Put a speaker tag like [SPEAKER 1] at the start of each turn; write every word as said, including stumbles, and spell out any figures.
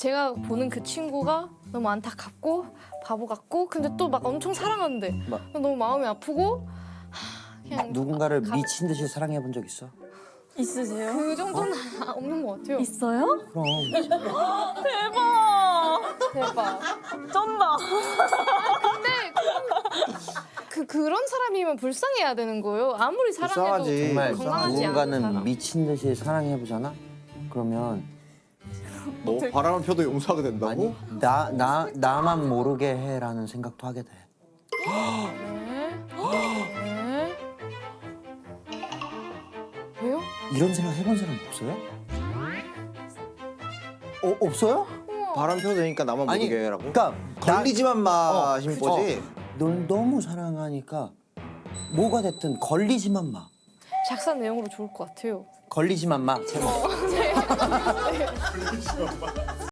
[SPEAKER 1] 제가 보는 그 친구가 너무 안타깝고 바보 같고 근데 또 막 엄청 사랑하는데
[SPEAKER 2] 막
[SPEAKER 1] 너무 마음이 아프고 하, 그냥
[SPEAKER 2] 누군가를
[SPEAKER 1] 가-
[SPEAKER 2] 미친 듯이 사랑해 본 적 있어?
[SPEAKER 3] 있으세요?
[SPEAKER 1] 그 정도는 없는 것 같아요.
[SPEAKER 3] 있어요?
[SPEAKER 2] 그럼.
[SPEAKER 3] 대박!
[SPEAKER 1] 대박.
[SPEAKER 3] 쩐다.
[SPEAKER 1] 그 그런 사람이면 불쌍해야 되는 거예요. 아무리 사랑해도
[SPEAKER 4] 불쌍하지.
[SPEAKER 2] 정말
[SPEAKER 1] 건강하지 않은
[SPEAKER 2] 누군가는
[SPEAKER 1] 사람.
[SPEAKER 2] 미친 듯이 사랑해 보잖아. 그러면
[SPEAKER 4] 너 바람을 펴도 용서하게 된다고?
[SPEAKER 2] 아니 나 나 나만 모르게 해라는 생각도 하게 돼.
[SPEAKER 1] 네. 네. 왜요?
[SPEAKER 2] 이런 생각 해본 사람 없어요? 어 없어요?
[SPEAKER 4] 바람 펴도 되니까 나만
[SPEAKER 2] 아니,
[SPEAKER 4] 모르게 해라고?
[SPEAKER 2] 그러니까
[SPEAKER 4] 걸리지만 마
[SPEAKER 2] 어,
[SPEAKER 4] 신
[SPEAKER 2] 그치.
[SPEAKER 4] 거지?
[SPEAKER 2] 널 너무 사랑하니까 뭐가 됐든 걸리지만 마.
[SPEAKER 1] 작사 내용으로 좋을 것 같아요.
[SPEAKER 2] 걸리지만 마. 제목.